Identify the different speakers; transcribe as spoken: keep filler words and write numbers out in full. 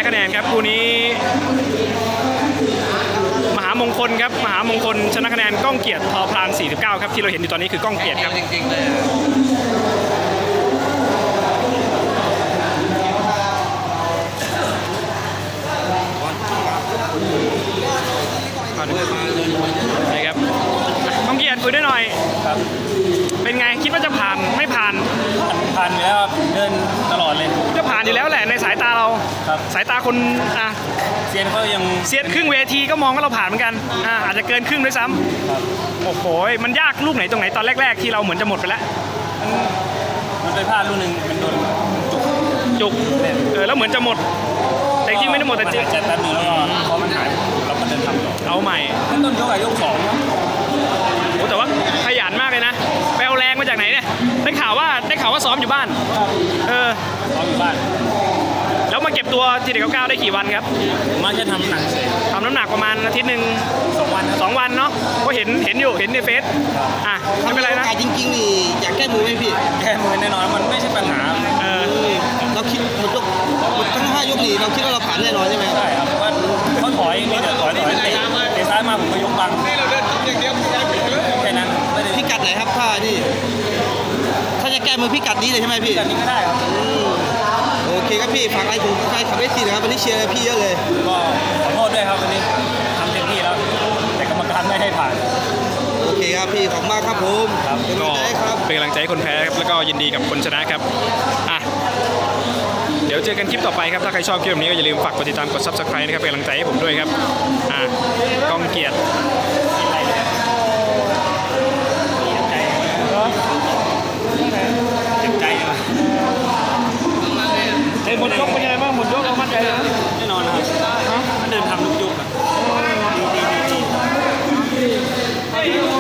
Speaker 1: นะคะแนนครับคู่นี้มหามงคลครับมหามงคลชนะคะแนนก้องเกียรติทอพลานสี่สิบเก้าครับที่เราเห็นอยู่ตอนนี้คือก้องเกียรติครับจริงๆเลยนี่ครับก้องเกียรติคุยได้หน่อยครับเป็นไงคิดว่าจะผ่านไม่ผ่าน
Speaker 2: ผ่านอยู่แล้วเดินตลอดเลย
Speaker 1: จะผ่านอยู่แล้วแหละในสายตาเราสายตาคนอ่ะ
Speaker 2: เซียนเขายัง
Speaker 1: เซียนครึ่งเวทีก็มองว่าเราผ่านเหมือนกันอ่าอาจจะเกินครึ่งด้วยซ้ำโอ้โหมันยากลูกไหนตรงไหนตอนแรกๆที่เราเหมือนจะหมดไปแล้ว
Speaker 2: มันไปพลาดลูกหนึ่งมันโดนจุก
Speaker 1: จุกเออแล้วเหมือนจะหมดแต่จริงไม่ได้หมดแต่จริง
Speaker 2: เจ็บแป๊บนึงแล้วก็พอมันหายเราก็เดินทำต่อ
Speaker 1: เอาใหม่
Speaker 2: ขั้นต้นยกอะยกสอง
Speaker 1: โอ้แต่ว่าขยันมากเลยนะไปเอาแรงมาจากไหนเนี่ยได้ข่าวว่าได้ข่าวว่าซ้อมอยู่บ้านเออ
Speaker 2: ซ้อมอยู่บ้าน
Speaker 1: แล้วมาเก็บตัวทีเด็กเก้าได้กี่วันครับ
Speaker 2: มาจะทำหนักเฉย
Speaker 1: ทำน้ำหนักประมาณอาทิตย์หนึ่ง
Speaker 2: สองวัน
Speaker 1: สองวันเนาะก็เห็นเห็นอยู่เห็นในเฟซอ่ะไม่เป็นไรนะ
Speaker 3: จริงๆนี่อยากแก้มือไหมพี่
Speaker 2: แก้มือแน่นอนมันไม่ใช่ปัญหา
Speaker 1: เออ
Speaker 3: เราคิดหมดยกหมดทั้งห้ายกนี่เราคิดว่าเราผ่านแน่นอนใช่ไหม
Speaker 2: ใช่ครับว่าเขาถอยมีแต่ถอยถอยเตะเตะซ้ายมาผมก็ยกบังแค่นั้น
Speaker 3: พิกัดไหนครับถ้านี่ถ้าจะแก้มือพิกัดนี้เลยใช่ไหมพี่
Speaker 2: พิกัดนี้ก็ได้ครับ
Speaker 3: โอเคครับพี่ฝากอะไรถึงใครขับเอสซีนะครับวันนี้เชียร์พี่เยอะเลย
Speaker 2: ก็ขอโทษด้วยครับวันนี้ทำเต็มที่แล้วแต่กรรมการไม่ให้ผ่าน
Speaker 3: โอเคครับพี่ขอบคุณมากครับผม
Speaker 1: เป็นกำลังใจครับเป็นกำลังใจให้คนแพ้ครับแล้วก็ยินดีกับคนชนะครับอ่ะเดี๋ยวเจอกันคลิปต่อไปครับถ้าใครชอบคลิปแบบนี้ก็อย่าลืมฝากกดติดตามกด ซับสไครบ์ นะครับเป็นกำลังใจให้ผมด้วยครับอ่ะก้องเกียรติ
Speaker 2: เจ็บใจเลย
Speaker 1: เฮ้ยหมดยกเป็นยังไงบ้างหมดยกเรามั่นใจเลย
Speaker 2: แน่นอนนะครับมันเดินทำทุกยุคอะ